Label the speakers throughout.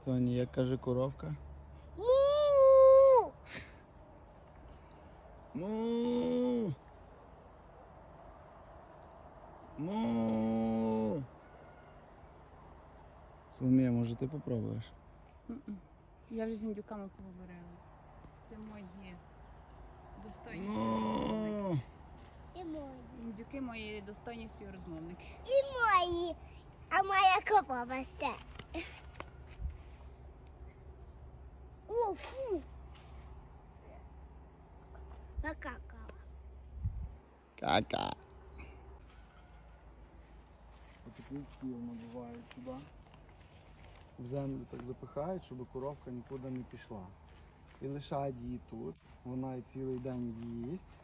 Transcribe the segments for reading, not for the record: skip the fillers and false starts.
Speaker 1: Соня, як каже коровка?
Speaker 2: Му!
Speaker 1: Му! Му! Соломія, може ти попробуєш?
Speaker 3: Я вже з індюками поговорила. Це мої достойні
Speaker 1: Му!
Speaker 2: І мої.
Speaker 3: індюки, мої достойні співрозмовники.
Speaker 2: І мої. А моя корова все. О, фу. Накакала.
Speaker 1: Кака. Отаку піл набивають туди. В землю так запихають, щоб коровка нікуди не пішла. І лишають її тут. Вона цілий день їсть.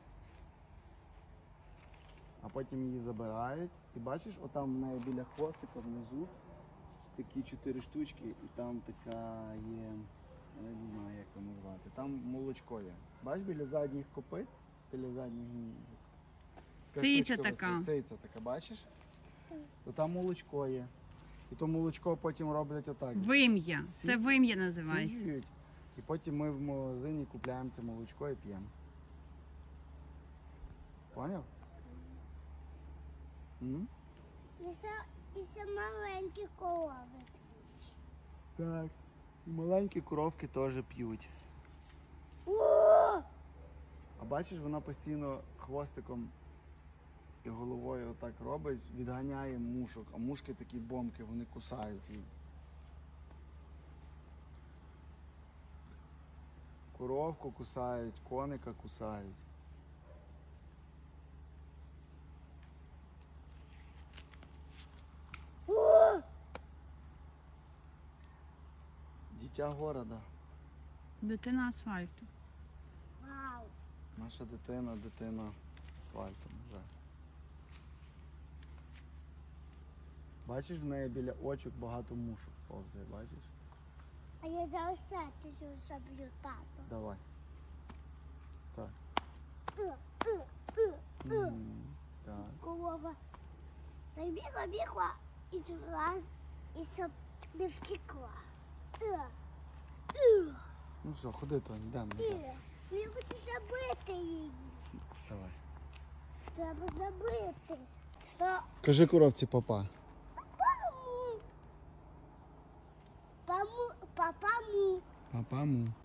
Speaker 1: А потім її забирають. І бачиш, отам в неї біля хвостика внизу такі 4 штучки, і там така є, я не знаю, як це назвати. Там молочко є. Бачиш, біля задніх копит, біля задніх ніжок.
Speaker 3: Циця така.
Speaker 1: Циця така, бачиш? То там молочко є. І то молочко потім роблять отак.
Speaker 3: Вим'я. Це вим'я називається.
Speaker 1: Сіджують. І потім ми в магазині купляємо це молочко і п'ємо. Поняв? М?
Speaker 2: І ще маленькі корови.
Speaker 1: Так. І маленькі коровки теж п'ють.
Speaker 2: О!
Speaker 1: А бачиш, вона постійно хвостиком і головою отак робить, відганяє мушок. А мушки такі бомки, вони кусають її. Коровку кусають, коника кусають.
Speaker 2: О!
Speaker 1: Дитя города.
Speaker 3: Дитина асфальту.
Speaker 2: Вау.
Speaker 1: Наша дитина асфальтом вже. Бачиш, в неї біля очок багато мушок повзає, бачиш?
Speaker 2: А я зараз сетю заб'ю тато.
Speaker 1: Давай. Так.
Speaker 2: Е.
Speaker 1: Так.
Speaker 2: Корова. Так бігла і раз, і щоб не втекла.
Speaker 1: Ну все, ходи, Тоні, йдемо назад.
Speaker 2: Мені хочу забити її.
Speaker 1: Давай.
Speaker 2: Треба забити. Що?
Speaker 1: Кажи коровці папа.
Speaker 2: Папаму. Папаму.
Speaker 1: Папа му.